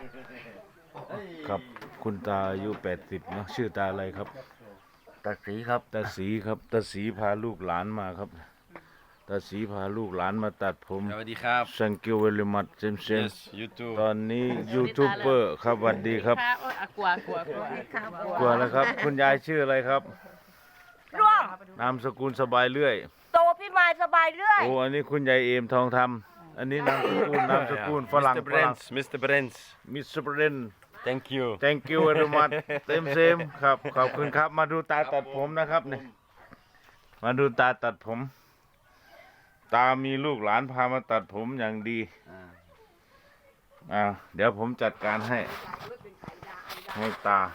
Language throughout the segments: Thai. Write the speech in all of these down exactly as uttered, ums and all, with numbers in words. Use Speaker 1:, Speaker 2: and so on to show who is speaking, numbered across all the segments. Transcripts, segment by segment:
Speaker 1: ครับคุณตาอายุแปดสิบเนาะชื่อตาอะไรครับ
Speaker 2: ตาสีครับ
Speaker 1: ตาสีครับตาสีพาลูกหลานมาครับตาสีพาลูกหลานมาตัดผม
Speaker 3: สวัสดีครับ
Speaker 1: thank you very much เซมเซม
Speaker 3: yes you too
Speaker 1: ตอนนี้ยูทูบเบอร์ครับสวัสดีครับ
Speaker 4: กลัวกลัวกลัวกลัว
Speaker 1: กลัวแล้วครับคุณยายชื่ออะไรครับ
Speaker 5: ร่วง
Speaker 1: นามสกุลสบายเรื่อย
Speaker 5: โตพี่มายสบายเรื่อย
Speaker 1: โอ้อันนี้คุณยายเอมทองทำอันนี้นามสกุลนามสกุลฝรั่ง
Speaker 3: มิสเตอร์
Speaker 1: ฝรั่ง
Speaker 3: Brents มิสเตอร์ Brents
Speaker 1: มิสเตอร์เบรน
Speaker 3: thank you
Speaker 1: thank you very much เต็มเซมครับขอบคุณครับมาดูตาตัดผมนะครับเนี่ยมาดูตาตัดผม ตามีลูกหลานพามาตัดผมอย่างดีอ่าเดี๋ยวผมจัดการให้ให้ตา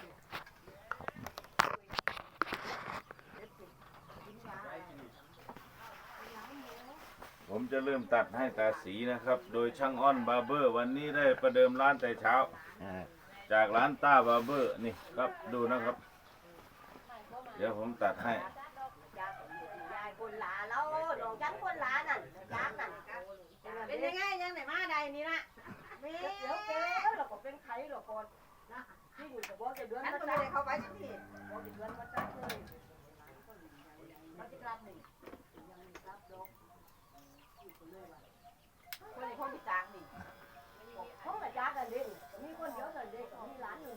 Speaker 1: ผมจะเริ่มตัดให้ตาสีนะครับ โดยช่างอ้อนบาร์เบอร์ วันนี้ได้ประเดิมร้านแต่เช้า จากร้านต้าบาร์เบอร์นี่ครับดูนะครับ เดี๋ยวผมตัดให้
Speaker 5: คนหลาแล้วน้องจันคนหลานั่นยักษ์นั่นเป็นยังไงยังไหนมาใดนี่นะเดี๋ยวเก๋เราก็เป็นไข่เราก่อนนะที่อยู่กับว่าจะเดือนมาจ้าเข้าไปสักทีว่าจะเดือนมาจ้าเลยมาจะกลับหนึ่งยังไม่กลับดอกคนในคนที่กลางนี่เขาแต่จ้ากันเด็กมีคนเยอะกันเด็กมีร้านหนึ่ง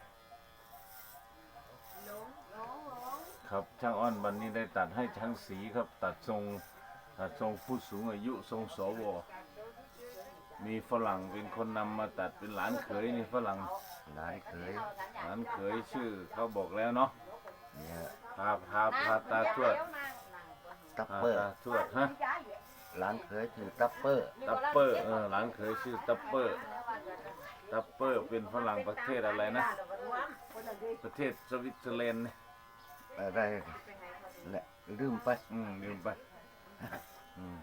Speaker 5: น้องน้องน้อง
Speaker 1: ครับช่างอ้อนวันนี้ได้ตัดให้ช่างสีครับ ตัดทรงตัดทรงผู้สูงอายุทรงสวมีฝรั่งเป็นคนนำมาตัดเป็นหลานเขยนี่ฝรั่งหลานเขยหลานเขยชื่อเขาบอกแล้วเนาะเนี่ยพาพาพาตาทวด
Speaker 2: ตัปเปอร์
Speaker 1: ตาทวดฮะ
Speaker 2: หลานเคยถือตัปเปอร์
Speaker 1: ตัปเปอร์เออหลานเขยชื่อตัปเปอร์ตัปเปอร์เป็นฝรั่งประเทศอะไรนะประเทศสวิตเซอร์แลนด์
Speaker 2: อะไรแหละลืมไป
Speaker 1: อืมลืมไปอืม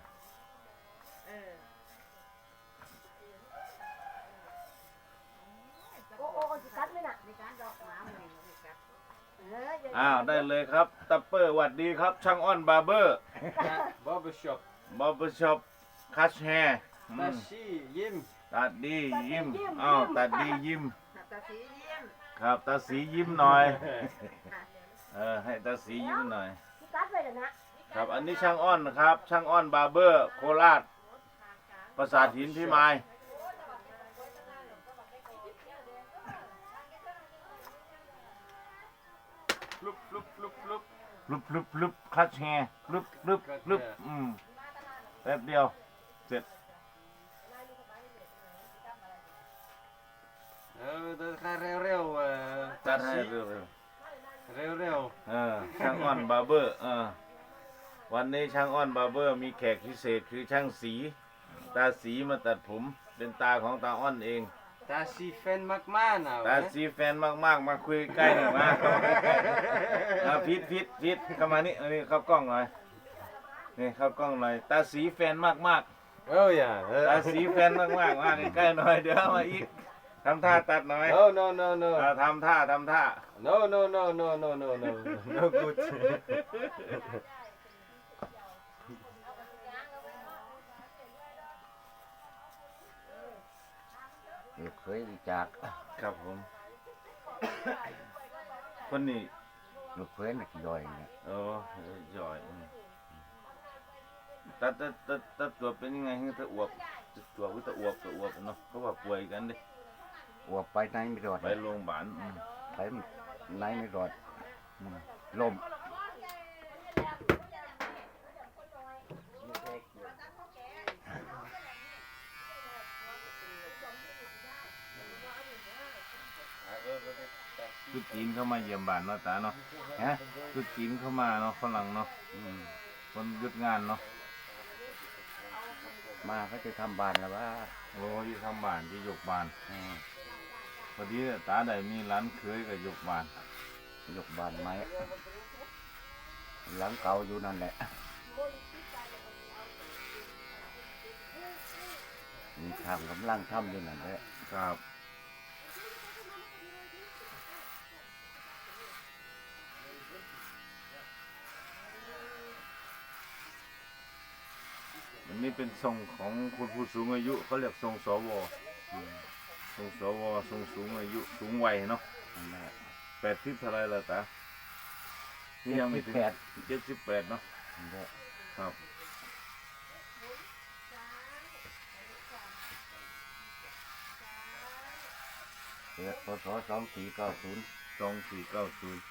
Speaker 1: อ้าวได้เลยครับตัปเปอร์หวัดดีครับ ช่างอ้อนบาร์เบอร์
Speaker 3: barber shop
Speaker 1: บาร์เบอร์ช็อปคัชแฮร์
Speaker 3: ตาชียิ้ม
Speaker 1: ตัดดียิ้มอ้าวตัดดียิ้ม
Speaker 5: ตาสียิ้ม
Speaker 1: ครับตาสียิ้มหน่อยเออให้ตาสียิ้มหน่อย
Speaker 5: พี่กัดไปเลยนะครับ
Speaker 1: อันนี้ช่างอ้อนนะครับ ช่างอ้อนบาร์เบอร์โคราชปราสาทหินพิมายลุบลุบลุบลุบลุบลุบลุบคัชแฮร์ลุบลุบลุบอืมแป๊บเดียวเสร็จ
Speaker 3: เออตัดให้เร็วๆเออ
Speaker 1: จัดให้เร็ว
Speaker 3: เร็ว
Speaker 1: ๆเออช่างอ้อนบาร์เบอร์เออวันนี้ช่างอ้อนบาร์เบอร์มีแขกพิเศษคือช่างสีตาสีมาตัดผมเป็นตาของตาอ้อนเอง
Speaker 3: ๆตาชีแฟนมากๆนะ
Speaker 1: ตาสีแฟนมากๆมาคุยใกล้หน่อยมาอ่ะพิษพิษพิษเข้ามานี่อันนี้เข้ากล้องหน่อยนี่เข้ากล้องหน่อยตาสีแฟนมาก
Speaker 3: โอ้ยอ่ะ
Speaker 1: ๆตาสีแฟนมากๆมาใกล้ๆหน่อยเดี๋ยวมาอีกทำท่าตัดหน่อย
Speaker 3: no no no no
Speaker 1: อ่ะทำท่าทำท่า
Speaker 3: no no no no no no no no good
Speaker 2: ลูกเคยจาก
Speaker 1: ครับผมคนนี้
Speaker 2: ลูกเคยนักย่อยเนี่ย
Speaker 1: โอ้ย่อยอืมตัดตัดตัดตัดตัวเป็นยังไงให้ตะอวบตัวก็ตะอวบตะอวบเนาะเขาว่าป่วยกันดิ
Speaker 2: อวบไปไหนไม่รอด
Speaker 1: ไปโรงพยาบาลอืม
Speaker 2: ไปไหนไม่รอด
Speaker 1: อืม
Speaker 2: ลม
Speaker 1: คือจีนเข้ามาเยี่ยมบ้านเนาะตาเนาะ
Speaker 2: ฮะ
Speaker 1: คือจีนเข้ามาเนาะฝรั่งเนาะ
Speaker 2: อืม
Speaker 1: คนหยุดงานเนาะ
Speaker 2: มาเขาจะทำบานแล้วว่า
Speaker 1: โอ้ยทำบ้านที่ยกบ้าน
Speaker 2: อืม
Speaker 1: พอดีตาได้มีร้านเคยกับยกบ้าน
Speaker 2: ยกบานไม้หลังเก่าอยู่นั่นแหละมีทางกำลังทำอยู่นั่นแหละ
Speaker 1: ครับอันนี้เป็นทรงของคุณผู้สูงอายุเขาเรียกทรงสวทรงสวทรงสูงอายุสูงวัยเนาะ
Speaker 2: นั่นแหละ
Speaker 1: แปดสิบเท่าไรล่ะตานี่ยังไม่ถึง
Speaker 2: แปด
Speaker 1: เจ็ดสิบแปดเนาะ
Speaker 2: นั่นแหละ
Speaker 1: ครับ
Speaker 2: เกิดพศสองสี่เก้าศูนย์
Speaker 1: สองสี่เก้าศูนย์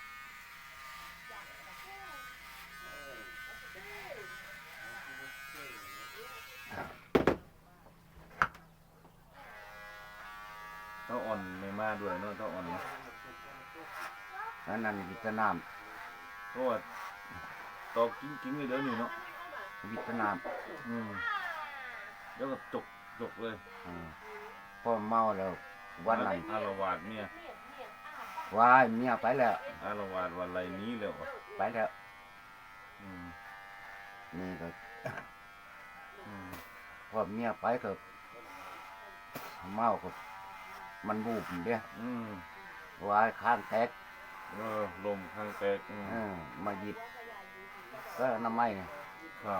Speaker 1: เต้าอ่อนไม่มาด้วยเนาะเต้าอ่อนเนาะ
Speaker 2: นั่นนั่นวิทนาม
Speaker 1: เพราะว่าตอกกิ้งๆเลยเดี๋ยวนี้เนาะ
Speaker 2: วิทนาม
Speaker 1: อืมแล้วก็จกจกเลย
Speaker 2: อ่าพ่อเมาแล้ววันนั้น
Speaker 1: อารวาสเมียว
Speaker 2: ายเมียไปแล้ว
Speaker 1: อารวาสวันไรนี้แล้วอะ
Speaker 2: ไปแล้ว
Speaker 1: อืม
Speaker 2: นี่ก็
Speaker 1: อืม
Speaker 2: พอเมียไปก็เมาก็มันบูบเด้
Speaker 1: อืม
Speaker 2: วายข้างแตก
Speaker 1: เออลมข้างแตกอืม
Speaker 2: เออมาหยิบก็น้ำไม้เนี่ย
Speaker 1: ครับ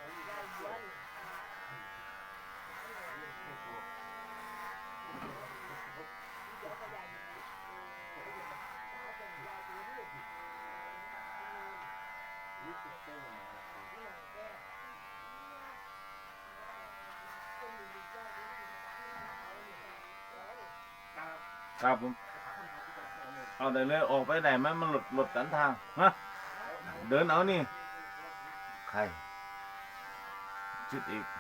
Speaker 1: ครับผมเอาได้เลยออกไปไหนไหมมันหลุดหลุดสันทางฮะเดินเอานี่
Speaker 2: ใคร
Speaker 1: ชิดอีก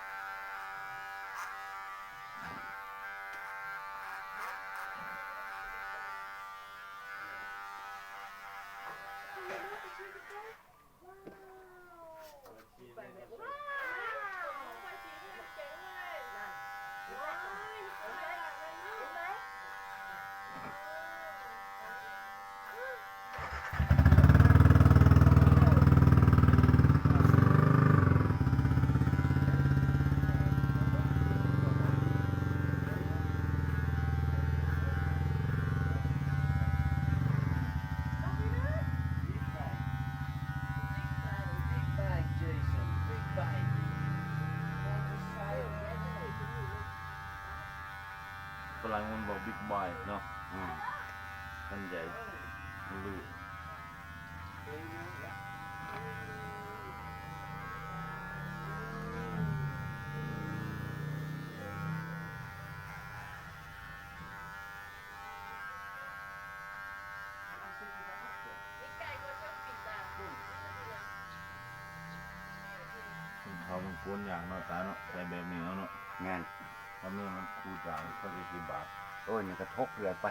Speaker 1: ฝรั่งมันบอกบิ๊กบอยเนาะ
Speaker 2: อืม
Speaker 1: ท่านใหญ่ไม่รู้เขามันกวนอย่างเนาะตาเนาะใส่แบบนี้เอาเนาะ
Speaker 2: แม่น
Speaker 1: เพราะนี่มันคูจ่ายเขาจะกี่บาท
Speaker 2: โอ้ยนี่ก็ทกเรือไป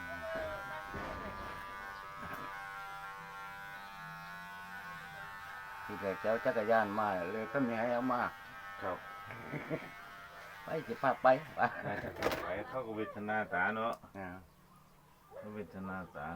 Speaker 2: ที่แกเจ้าจักรยานมาเลยก็มีให้เอามา
Speaker 1: ครับ
Speaker 2: ไปจะพาไปไป
Speaker 1: ไปเขาก็เวทนาตาเนาะ
Speaker 2: อ่า
Speaker 1: เขาเวทนาตา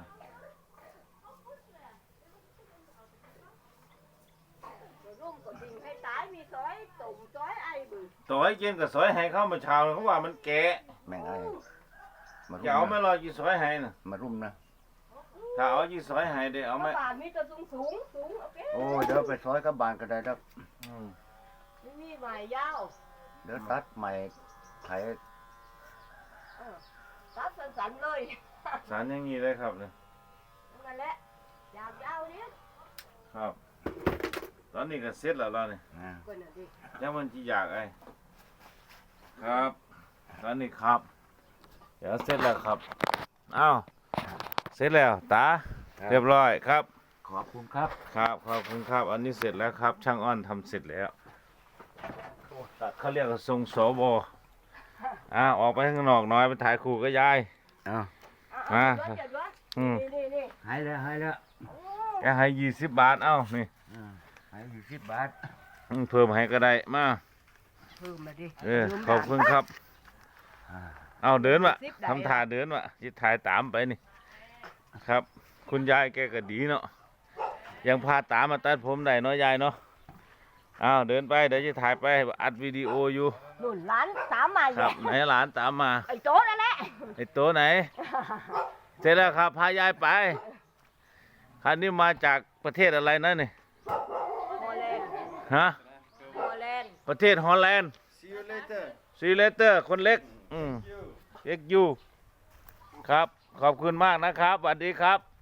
Speaker 5: ร่มก็ดิ่งให้ตายมีซอยตุ่มซอยไอ้บึ้ง
Speaker 1: ต่อให้กินกับซอยให้เข้ามาเช้าเขาว่ามันแก่
Speaker 2: แม่งไอ้มา
Speaker 1: จะเอา
Speaker 2: รุม
Speaker 1: ไม่
Speaker 2: นะ
Speaker 1: รอกี่ซอยให้น่ะ
Speaker 2: มารุมนะ
Speaker 1: ถ้าเอายี่ซอยให้ได้เอาไหม
Speaker 5: บานมีแต่สูงสูงสูงโอเค
Speaker 2: โอ้ยเดี๋ยวไปซอยกับบานก็ได้ครับ
Speaker 1: อืม
Speaker 5: ไม่มีใหม่ยาว
Speaker 2: เดี๋ยวตัดใหม่ไข
Speaker 5: เออตัดสั้นๆเลย
Speaker 1: สารอย่างนี้เลยครับเนี่ย
Speaker 5: นั่นแหละยาวยาวๆเนี่ย
Speaker 1: ครับ ตอนนี้ก็เสร็จแล้วเราเนี่ย
Speaker 2: อ่า
Speaker 5: คนน่ะดิ
Speaker 1: ยังมันจีอยากไอ้ครับ ตอนนี้ครับ เดี๋ยวเสร็จแล้วครับอ้าวเสร็จแล้วตาเรียบร้อยครับ
Speaker 2: ขอบคุณครับ
Speaker 1: ครับขอบคุณครับ อันนี้เสร็จแล้วครับ ช่างอ้อนทำเสร็จแล้วตัดเขาเรียกว่าทรงสวอ่าออกไปข้างนอกหน้อยไปถ่ายคู่กับยาย
Speaker 2: เอา
Speaker 5: เอา
Speaker 1: มา
Speaker 5: เอาเดี๋ยวเดี๋ยว
Speaker 1: อืม
Speaker 5: นี่นี่นี่
Speaker 2: หายแล้วหายแล้ว
Speaker 5: โอ้
Speaker 1: แกให้ยี่สิบบาทเอ้านี่
Speaker 2: อ่าหายอยู่สิบบาท
Speaker 1: อืมเพิ่มให้ก็ได้มา
Speaker 5: เพิ่มมาดิ
Speaker 1: เออขอบคุณครับ
Speaker 2: อ่า
Speaker 1: เอาเดินวะ
Speaker 5: สิบได้
Speaker 1: ทำท่าเดินวะจะถ่ายตามไปนี่ครับ คุณยายแกก็ดีเนาะยังพาตามมาตัดผมได้เนาะยายเนาะอ้าวเดินไปเดี๋ยวจะถ่ายไปอัดวิดีโออยู่
Speaker 5: หนุนร้านสามมาอ
Speaker 1: ค
Speaker 5: ยู่
Speaker 1: รับไหนหลานตามมา
Speaker 5: ไอ้โจ๊นั่นแหละ
Speaker 1: ไอ้โตไหนเสร็จแล้วครับพายายไปคันนี้มาจากประเทศอะไรนะนี่
Speaker 5: ฮอลแลนด์
Speaker 1: ฮะ
Speaker 5: ฮอลแลนด์
Speaker 1: ประเทศฮอลแลนด์
Speaker 3: See you later.
Speaker 1: ซีเลเตอร์คนเล็กอืมเอ็กยูครับ ขอบคุณมากนะครับสวัสดีครับ